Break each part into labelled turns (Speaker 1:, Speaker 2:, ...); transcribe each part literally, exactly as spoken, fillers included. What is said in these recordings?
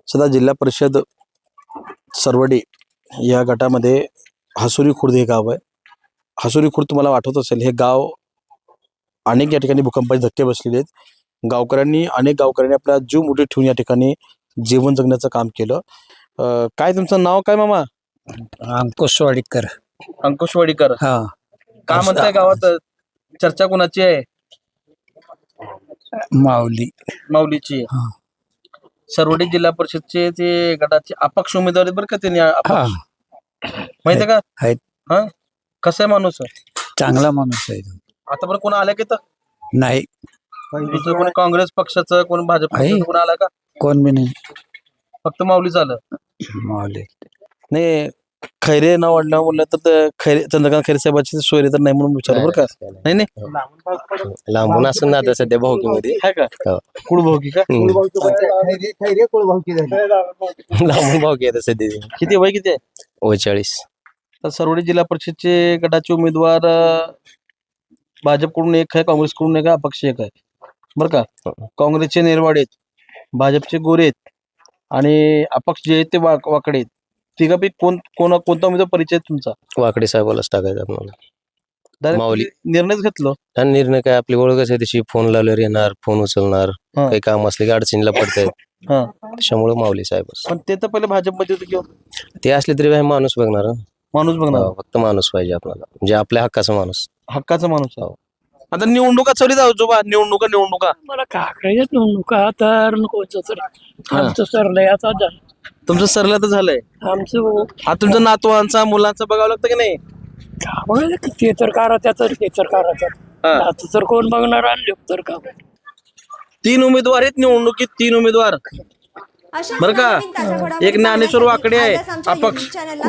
Speaker 1: सध्या जिल्हा परिषद सरवडी या गटामध्ये हसुरी खुर्द हे गाव आहे. हसुरी खुर्द तुम्हाला आठवत असेल, हे गाव अनेक या ठिकाणी भूकंपाचे धक्के बसलेले आहेत. गावकऱ्यांनी अनेक गावकऱ्यांनी आपला जीव मुठीत ठेवून या ठिकाणी जीवन जगण्याचं काम केलं. अं, काय तुमचं नाव काय मामा?
Speaker 2: अंकुश वाडीकर.
Speaker 1: अंकुश वाडीकर.
Speaker 2: हा
Speaker 1: काय म्हणताय गावात चर्चा कोणाची आहे?
Speaker 2: माऊली.
Speaker 1: माऊलीची.
Speaker 2: हा.
Speaker 1: सरवडी जिल्हा परिषदचे ते गटाचे अपक्ष उमेदवार आहेत बरं का. त्यांनी
Speaker 2: हा
Speaker 1: माहितीये का?
Speaker 2: आहेत.
Speaker 1: हा, कसा आहे माणूस?
Speaker 2: चांगला माणूस आहे तो.
Speaker 1: आता बरं कोण आलं की तर
Speaker 2: नाही
Speaker 1: दुसरं कोणी काँग्रेस पक्षाचं, कोण भाजप
Speaker 2: आहे.
Speaker 1: पक्षाचं कोण आला का?
Speaker 2: कोण बी नाही.
Speaker 1: फक्त माऊलीच आलं.
Speaker 2: माऊली.
Speaker 1: नाही, खैरे नाव वाढलं म्हणलं तर ते खैरे चंद्रकांत खैरे साहेबाची सोयरी तर नाही म्हणून विचार बरं का. नाही नाही
Speaker 3: लांबून असून ना आता सध्या भाऊकीमध्ये
Speaker 1: आहे का? कुळ भाऊकी का?
Speaker 3: लांबून भाऊकी आता सध्या
Speaker 1: किती वय किती आहे?
Speaker 3: ओचाळीस.
Speaker 1: तर सरवडी जिल्हा परिषदचे गटाचे उमेदवार अं, भाजपकडून एक आहे, काँग्रेसकडून एक आहे, अपक्ष एक आहे बरं का. काँग्रेसचे नेरवाडे आहेत, भाजपचे गोरे आहेत आणि अपक्ष जे आहेत ते वाक वाकडे आहेत. तिघापैकी कोण कोण कोणता उमेदवार परिचय आहे तुमचा?
Speaker 3: वाकडे साहेबालाच टाकायचं आपल्याला.
Speaker 1: Direct
Speaker 3: माऊली.
Speaker 1: निर्णयच घेतलो.
Speaker 3: आणि निर्णय काय, आपली ओळखच आहे तशी. फोन लावल्यावर येणार, फोन उचलणार,
Speaker 1: हा.
Speaker 3: काही काम असले की अडचणीला पडतायत.
Speaker 1: हा,
Speaker 3: त्याच्यामुळे माऊली साहेबच.
Speaker 1: पण ते तर पहिले भाजपमध्ये होते किंवा
Speaker 3: ते असले तरी काही माणूस बघणार हं.
Speaker 1: माणूस बघणार,
Speaker 3: हो, फक्त माणूस पाहिजे आपल्याला, म्हणजे आपल्या हक्काचा माणूस.
Speaker 1: हक्काचा माणूस आहे. आता निवडणुका चालू जाऊ जोबा, निवडणुका निवडणुका
Speaker 4: मला काकड्याच्याच निवडणुका तर कोणचं तरी आमचं सरलंय आता झालं.
Speaker 1: तुमचं सरलं तर झालंय.
Speaker 4: आमचं
Speaker 1: आता तुमच्या नातवांचा मुलांचा बघावं लागतं की नाही?
Speaker 4: का बघ ते तर करा त्या तर ते तर करा त्यात
Speaker 1: हा.
Speaker 4: आता तर कोण बघणार आणले तर का
Speaker 1: तीन उमेदवार आहेत निवडणुकीत, तीन उमेदवार बरं का. एक ज्ञानेश्वर वाकडे आहे, अपक्ष.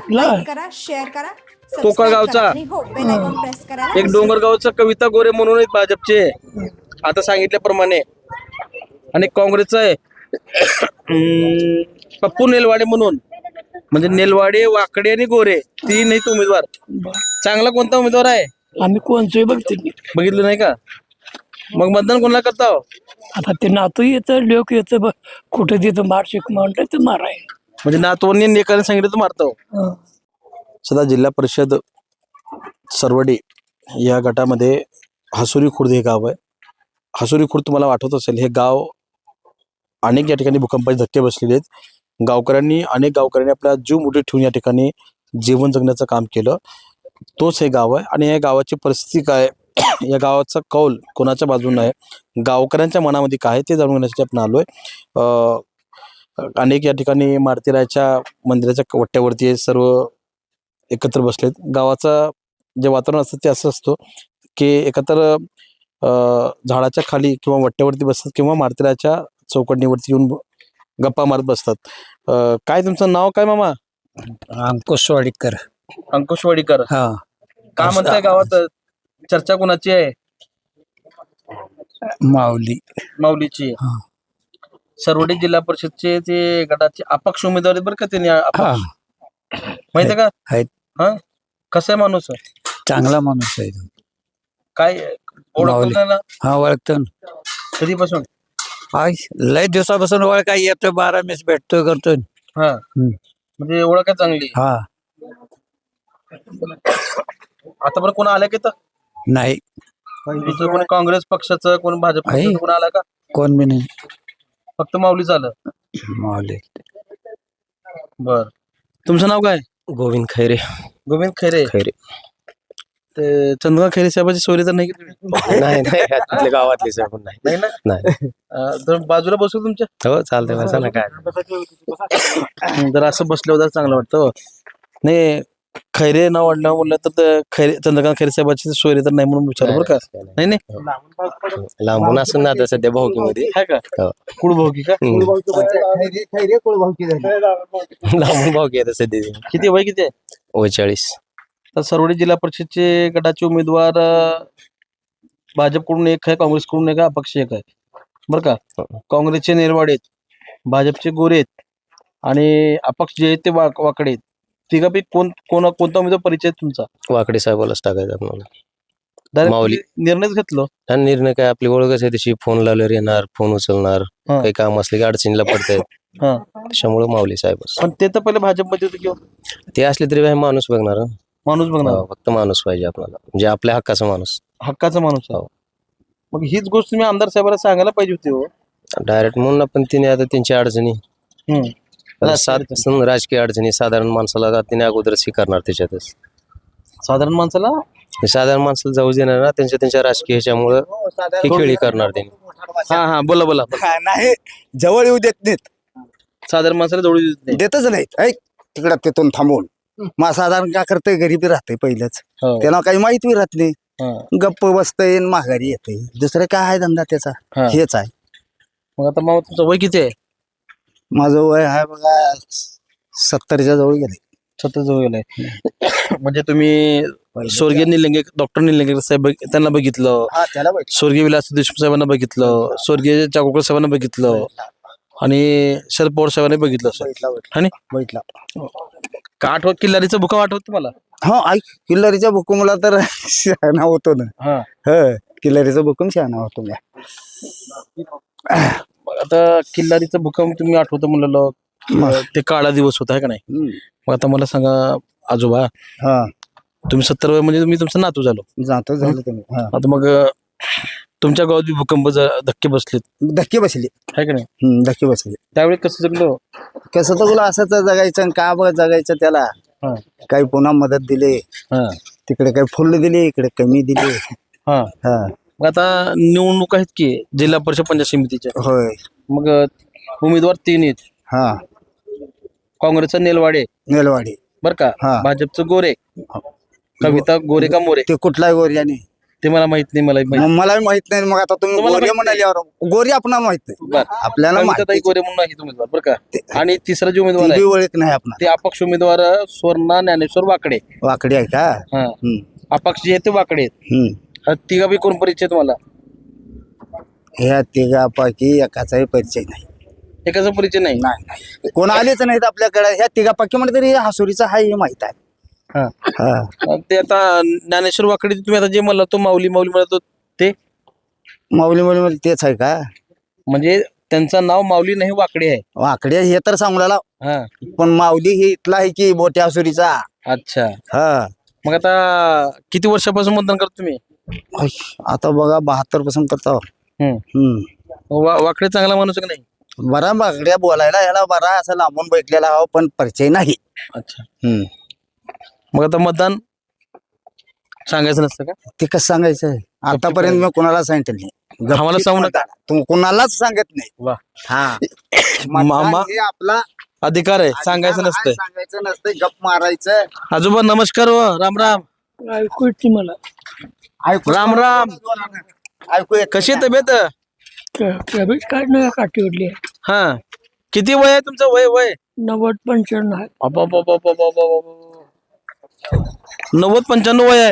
Speaker 1: कोकळगावचा. एक डोंगरगावचा कविता गोरे म्हणून आहेत भाजपचे, आता सांगितल्याप्रमाणे. आणि काँग्रेसचा आहे अं, पप्पू नेलवाडे म्हणून. म्हणजे नेलवाडे, वाकडे आणि गोरे तीन आहेत उमेदवार. चांगला कोणता उमेदवार आहे
Speaker 4: आम्ही कोणचंही बघते नाही.
Speaker 1: बघितलं नाही का? मग मतदान कोणाला करता हो?
Speaker 4: आता ते नातू येतं लोक येतं बघ कुठं तिथं मारशिक म्हणलं तर माराय.
Speaker 1: म्हणजे नातवांनी एकाने सांगितलं तर मारतो.
Speaker 4: हं.
Speaker 1: सध्या जिल्हा परिषद सरवडी या गटामध्ये हसुरी खुर्द हे गाव आहे. हसुरी खुर्द तुम्हाला आठवत असेल, हे गाव अनेक या ठिकाणी भूकंपाचे धक्के बसलेले आहेत. गावकऱ्यांनी अनेक गावकऱ्यांनी आपला जीव मुठीत ठेवून या ठिकाणी जीवन जगण्याचं काम केलं. तोच हे गाव आहे. आणि या गावाची परिस्थिती काय, या गावाचा कौल कोणाच्या बाजूने आहे, गावकऱ्यांच्या मनामध्ये काय आहे ते जाणून घेण्यासाठी आपण आलोय. अं, अनेक या ठिकाणी मारुतीरायाच्या मंदिराच्या वट्ट्यावरती सर्व एकत्र बसलेत. गावाचं जे वातावरण असतं ते असं असतं की एकत्र अं, झाडाच्या खाली किंवा वट्ट्यावरती बसतात किंवा मारुतीरायाच्या चौकटणीवरती येऊन गप्पा मारत बसतात. अं, काय तुमचं नाव काय मामा?
Speaker 2: अंकुश वाडीकर.
Speaker 1: अंकुश वाडीकर.
Speaker 2: हा
Speaker 1: काय म्हणताय गावात चर्चा कोणाची आहे?
Speaker 2: माऊली.
Speaker 1: माऊलीची.
Speaker 2: हा
Speaker 1: सरवडी जिल्हा परिषदचे ते गटाचे अपक्ष उमेदवार आहेत बरं का. त्यांनी
Speaker 2: हा
Speaker 1: माहितीये का?
Speaker 2: आहेत.
Speaker 1: हा, कसा आहे माणूस?
Speaker 2: चांगला माणूस आहे तो.
Speaker 1: काय ओळखतो
Speaker 2: माऊली.
Speaker 1: त्याला
Speaker 2: हा ओळखतो ना.
Speaker 1: कधीपासून?
Speaker 2: आय लय दिवसापासून ओळख आहे, येतो बारा मेस भेटतो करतो.
Speaker 1: हा,
Speaker 2: हम्म.
Speaker 1: म्हणजे ओळख आहे चांगली.
Speaker 2: हा
Speaker 1: आता बरं कोण आलं की तर
Speaker 2: नाही
Speaker 1: दुसरं कोणी काँग्रेस पक्षाचं, कोण भाजप
Speaker 2: आहे.
Speaker 1: पक्षाचं कोण आला का?
Speaker 2: कोण बी नाही.
Speaker 1: फक्त माऊलीच आलं.
Speaker 2: माऊली.
Speaker 1: बर, तुमचं नाव काय?
Speaker 3: गोविंद खैरे.
Speaker 1: गोविंद खैरे.
Speaker 3: खैरे
Speaker 1: ते चंद्रकांत खैरे साहेबाची सोयरी तर नाही केली?
Speaker 3: नाही नाही आपल्या गावातले साहेब पण नाही.
Speaker 1: नाही ना.
Speaker 3: नाही.
Speaker 1: अं, तर बाजूला बसू तुमच्या.
Speaker 3: हो चालतंय, बसा ना काय.
Speaker 1: जर असं बसलं होतं चांगलं वाटतं हो. नाही, खैरे नाव वाढलं म्हणलं तर ते खैरे चंद्रकांत खैरे साहेबाची सोयरी तर नाही म्हणून विचार बरं का. नाही नाही
Speaker 3: लांबून असून ना आता सध्या भाऊकीमध्ये.
Speaker 1: आहे का?
Speaker 3: हो.
Speaker 1: कुळ भाऊकी का?
Speaker 3: लांबून भाऊकी आता सध्या
Speaker 1: किती वय किती आहे?
Speaker 3: ओचाळीस.
Speaker 1: तर सरवडी जिल्हा परिषदचे गटाचे उमेदवार अं, भाजपकडून एक आहे, काँग्रेसकडून एक आहे, अपक्ष एक आहे बरं का. काँग्रेसचे नेरवाडे आहेत, भाजपचे गोरे आहेत आणि अपक्ष जे आहेत ते वाक वाकडे आहेत. तिघापैकी कोण कोण कोणता उमेदवार परिचय आहे तुमचा?
Speaker 3: वाकडे साहेबालाच टाकायचं आपल्याला.
Speaker 1: Direct
Speaker 3: माऊली.
Speaker 1: निर्णयच घेतलो.
Speaker 3: आणि निर्णय काय, आपली ओळखच आहे तशी. फोन लावल्यावर येणार, फोन उचलणार,
Speaker 1: हा.
Speaker 3: काही काम असले की अडचणीला पडतायत.
Speaker 1: हा
Speaker 3: त्याच्यामुळे माऊली साहेबच
Speaker 1: पण ते तर पहिले भाजपमध्ये होते किंवा
Speaker 3: ते असले तरी काही माणूस बघणार हं.
Speaker 1: माणूस बघणार
Speaker 3: हो, फक्त माणूस पाहिजे आपल्याला म्हणजे आपल्या हक्काचा माणूस
Speaker 1: हक्काचा माणूस आहे.
Speaker 3: हो.
Speaker 1: मग हीच गोष्ट तुम्ही आमदार साहेबांना सांगायला पाहिजे होती हो.
Speaker 3: डायरेक्ट म्हणून आपण तिने आता त्यांच्या अडचणी
Speaker 1: हम्म.
Speaker 3: आता
Speaker 1: राजकीय
Speaker 3: सात
Speaker 1: अडचणी.
Speaker 3: सं- राजकीय अडचणी साधारण माणसाला का तिने अगोदर स्वीकारणार त्याच्यातच
Speaker 1: साधारण माणसाला
Speaker 3: हे साधारण माणसाला जाऊ देणार ना त्यांच्या त्यांच्या राजकीय ह्याच्यामुळं ही खेळी करणार त्यांनी
Speaker 1: हा हा बोला बोला
Speaker 5: नाही जवळ येऊ देत नाहीत
Speaker 1: साधारण माणसाला जवळ येत नाही.
Speaker 5: देतच नाहीत ऐक तिकडं तिथून थांबून मग साधारण काय करतंय गरीबी राहते पहिलंच
Speaker 1: हो.
Speaker 5: त्याला काही माहिती राहत नाही
Speaker 1: हा.
Speaker 5: गप्प बसतंय आणि माघारी येते दुसरं काय आहे धंदा त्याचा
Speaker 1: हा.
Speaker 5: हेच आहे
Speaker 1: मग आता मामा तुमचं वय किती आहे?
Speaker 5: माझं वय आहे बघा सत्तरच्या जवळ गेले
Speaker 1: सतत जवळ गेलंय म्हणजे तुम्ही स्वर्गीय निलंगे डॉक्टर निलंगेकर साहेब बघ- त्यांना बघितलं,
Speaker 5: हा त्याला बैठ
Speaker 1: स्वर्गीय विलास देशमुख साहेबांना बघितलं, स्वर्गीय चाकोकर साहेबांना बघितलं आणि शरद पवार साहेबांनी बघितलं सर.
Speaker 5: बैठला
Speaker 1: आणि
Speaker 5: बैठला
Speaker 1: का आठवत किल्लारीचा भुका आठवत तुम्हाला?
Speaker 5: हा ऐक किल्लारीच्या भुकुमला तर शहाणा होतो ना
Speaker 1: हा
Speaker 5: ह किल्लारीचा भुकुम शहाणा होतो मी
Speaker 1: मग आता किल्लारीचा भूकंप तुम्ही आठवतं म्हणलं ते काळा दिवस होता है का नाही?
Speaker 5: हम्म.
Speaker 1: मग आता मला सांगा आजोबा,
Speaker 5: हा
Speaker 1: तुम्ही सत्तर वय म्हणजे तुम्ही तुमचा नातू झालो.
Speaker 5: जातो झालं तुम्ही हा
Speaker 1: आता मग अं, तुमच्या गावात बी भूकंप ज- धक्के बसलेत
Speaker 5: धक्के बसले
Speaker 1: है का नाही?
Speaker 5: हम्म धक्के बसले
Speaker 1: त्यावेळी कसं जगलो?
Speaker 5: कसं तर बोला असंच जगायचं आणि का बघ जगायचं त्याला
Speaker 1: हा
Speaker 5: काही पुन्हा मदत दिली
Speaker 1: हा
Speaker 5: तिकडे काही फुल दिली इकडे कमी दिली
Speaker 1: हा
Speaker 5: हा
Speaker 1: मग आता निवडणूक आहेत की जिल्हा परिषद पंचायत समितीच्या.
Speaker 5: होय
Speaker 1: मग अं, उमेदवार तीन आहेत.
Speaker 5: हा
Speaker 1: काँग्रेसचा नेलवाडे
Speaker 5: नेलवाडी
Speaker 1: बर का,
Speaker 5: हा.
Speaker 1: भाजपचं गोरे, कविता गोरे का मोरे
Speaker 5: ते कुठलाही गोर्याने
Speaker 1: ते मला माहित नाही. मला माहित
Speaker 5: मग मला माहित नाही मग आता तुम्ही
Speaker 1: तुम्हाला
Speaker 5: गोरे
Speaker 1: माहित नाही?
Speaker 5: म्हणाल्यावर गोरी आपणाला माहित नाही
Speaker 1: बरं.
Speaker 5: आपल्याला
Speaker 1: कविताताई
Speaker 5: माहिती
Speaker 1: गोरे म्हणून आहे उमेदवार बरं का. आणि तिसरा जो उमेदवार
Speaker 5: ती
Speaker 1: आहे
Speaker 5: बी ओळख नाही आपण
Speaker 1: ते अपक्ष उमेदवार स्वर्णा ज्ञानेश्वर वाकडे.
Speaker 5: वाकडी आहे का
Speaker 1: हा
Speaker 5: हम्म,
Speaker 1: अपक्ष जे आहेत ते वाकडे आहेत.
Speaker 5: हम्म.
Speaker 1: हा तिघा बी कोण परिचय तुम्हाला?
Speaker 5: ह्या तिघापैकी एकाचाही परिचय नाही
Speaker 1: एकाचा परिचय नाही.
Speaker 5: नाही नाही कोण आलेच नाहीत आपल्याकडे ह्या तिघापैकी म्हणजे तरी हसुरीचा हा हे माहित आहे
Speaker 1: हा
Speaker 5: हा
Speaker 1: मग ते आता ज्ञानेश्वर वाकडे तुम्ही आता जे म्हणला तो माऊली माऊली म्हणत होते ते
Speaker 5: माऊली माऊली मध्ये तेच आहे का
Speaker 1: म्हणजे त्यांचं नाव माऊली नाही वाकडे आहे.
Speaker 5: वाकडे हे तर सांगला
Speaker 1: हा
Speaker 5: पण माऊली हे इथला आहे की मोठ्या हसुरीचा
Speaker 1: अच्छा.
Speaker 5: हा
Speaker 1: मग आता किती वर्षापासून मतदान करतो तुम्ही?
Speaker 5: ऐ, आता बघा बहात्तर पासून करतो
Speaker 1: हम्म.
Speaker 5: हम्म
Speaker 1: वा- वाकडे चांगला माणूस आहे का नाही?
Speaker 5: बरा बागड्या बोलायला याला बरा असं लांबून बैठलेला हा पण परिचय नाही
Speaker 1: अच्छा.
Speaker 5: हम्म.
Speaker 1: मग आता मतदान सांगायचं नसतं का?
Speaker 5: ते कसं सांगायचं आतापर्यंत मी कोणाला सांगितलं नाही
Speaker 1: आम्हाला सांगू नका.
Speaker 5: तू कोणालाच सांगत नाही
Speaker 1: वा
Speaker 5: हा
Speaker 1: मामा
Speaker 5: मतदान हे आपला
Speaker 1: अधिकार आहे सांगायचं
Speaker 5: अधिकार
Speaker 1: नसतंय.
Speaker 5: आहे, सांगायचं नसतंय गप मारायचं
Speaker 1: आजोबा नमस्कार हो. राम राम.
Speaker 4: ऐकू येते मला.
Speaker 5: ऐकू
Speaker 1: राम राम.
Speaker 5: ऐकू येत
Speaker 1: कशी आहे तब्येत?
Speaker 4: कॅबेज काढणं काठीवरली
Speaker 1: हा किती वय आहे तुमचं? वय वय
Speaker 4: नव्वद पंच्याण्णव आहे.
Speaker 1: अबाबाबाबाबाबाबा. नव्वद पंच्याण्णव वय आहे.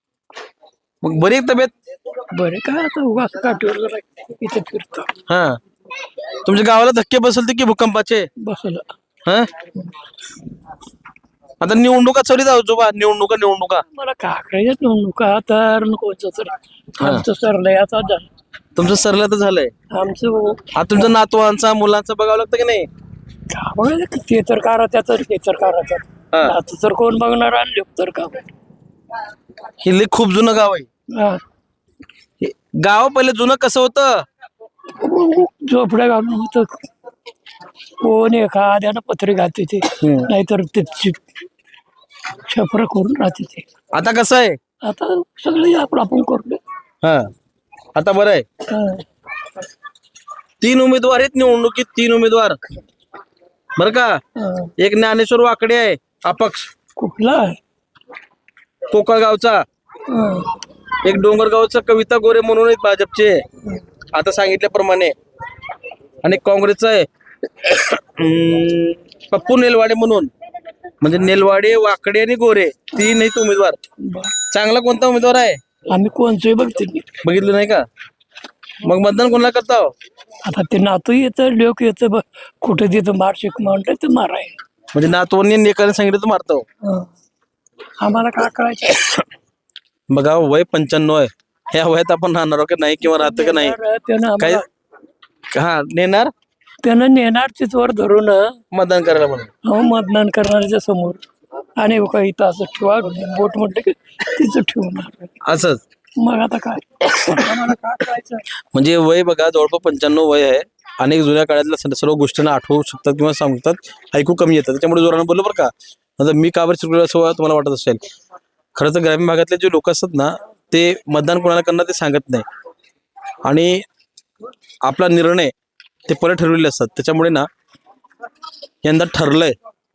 Speaker 1: मग बरी आहे तब्येत?
Speaker 4: बरे काय आता उगाच काठीवर जरा इथे फिरतो
Speaker 1: हा तुमच्या गावाला धक्के बसलते की भूकंपाचे?
Speaker 4: बसला.
Speaker 1: हा आता निवडणुका चालू आहेत आजोबा. निवडणुका निवडणुका
Speaker 4: मला काकड्याच्याच निवडणुका तर कोणचं तर आमचं सरलंय आता झालं.
Speaker 1: तुमचं सरलं तर झालंय.
Speaker 4: आमचं
Speaker 1: आता तुमच्या नातवांचा मुलांचा बघावं लागतं की नाही?
Speaker 4: का बघायचं ते तर करा त्याचं ते तर करा त्यात
Speaker 1: हा.
Speaker 4: आता तर कोण बघणार आणले तर का
Speaker 1: हे लय खूप जुनं गाव आहे.
Speaker 4: हा.
Speaker 1: हे गाव पहिले जुनं कसं होतं?
Speaker 4: झोपड्या घालून होत कोण एखाद्यानं पत्रे घालते ते नाहीतर ते छपर करून राहते ते.
Speaker 1: आता कसं आहे?
Speaker 4: आता सगळे आपण आपण करतो.
Speaker 1: हा आता बरं आहे.
Speaker 4: हा.
Speaker 1: तीन उमेदवार आहेत निवडणुकीत. तीन उमेदवार बरं का.
Speaker 4: हा.
Speaker 1: एक ज्ञानेश्वर वाकडे आहे अपक्ष
Speaker 4: कुठला आहे?
Speaker 1: कोकळगावचा.
Speaker 4: हा.
Speaker 1: एक डोंगरगावचा कविता गोरे म्हणून आहेत भाजपचे आता सांगितल्याप्रमाणे. आणि काँग्रेसचा आहे अं, पप्पू नेलवाडे म्हणून. म्हणजे नेलवाडे वाकडे आणि गोरे तीन आहेत उमेदवार.
Speaker 4: बरं.
Speaker 1: चांगला कोणता उमेदवार आहे
Speaker 4: आम्ही कोणचंही बघते नाही.
Speaker 1: बघितलं नाही का? मग मतदान कोणाला करता हो?
Speaker 4: आता ते नातू येतं लोक येतं ब- कुठे तिथं मार शिक म्हणतं ते माराय.
Speaker 1: म्हणजे नातवांनी नेकाने सांगितलं तर मारतो.
Speaker 4: हा. आम्हाला काय कळायचं?
Speaker 1: बघा वय पंच्याण्णव आहे. ह्या वयात आपण राहणार आहोत का नाही किंवा राहतं का नाही
Speaker 4: त्यानं
Speaker 1: काय?
Speaker 4: आम्हाला
Speaker 1: हा नेणार
Speaker 4: त्यानं नेणार तिथवर धरून
Speaker 1: मतदान करायला म्हणून.
Speaker 4: हो मतदान करणाऱ्याच्या समोर आणि काही इथं असं ठेवा बोट म्हटलं की तिथं ठेवणार.
Speaker 1: असंच
Speaker 4: मग आता काय आम्हाला काय करायचं.
Speaker 1: म्हणजे वय बघा जवळपास पंच्याण्णव वय आहे. अनेक जुन्या काळातल्या सर्व- सर्व गोष्टींना आठवू शकतात किंवा सांगतात, ऐकू कमी येतात. त्याच्यामुळे जोरानं बोललो बरं का. आता मी का बरं शिकलो असं तुम्हाला वाटत असेल. खरं तर ग्रामीण भागातले जे लोक असतात ना ते मतदान कोणाला करणार ते सांगत नाही आणि आपला निर्णय ते परत ठरवलेले असतात. त्याच्यामुळे ना यंदा ठरलंय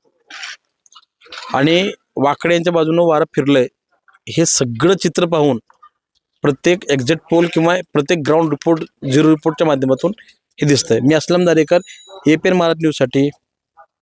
Speaker 1: आणि वाकडे यांच्या बाजूनं वारं फिरलंय हे सगळं चित्र पाहून प्रत्येक एक्झिट पोल किंवा प्रत्येक ग्राउंड रिपोर्ट झिरो रिपोर्टच्या माध्यमातून हे दिसतंय. मी Aslam Darekar, A P N Maharaj न्यूजसाठी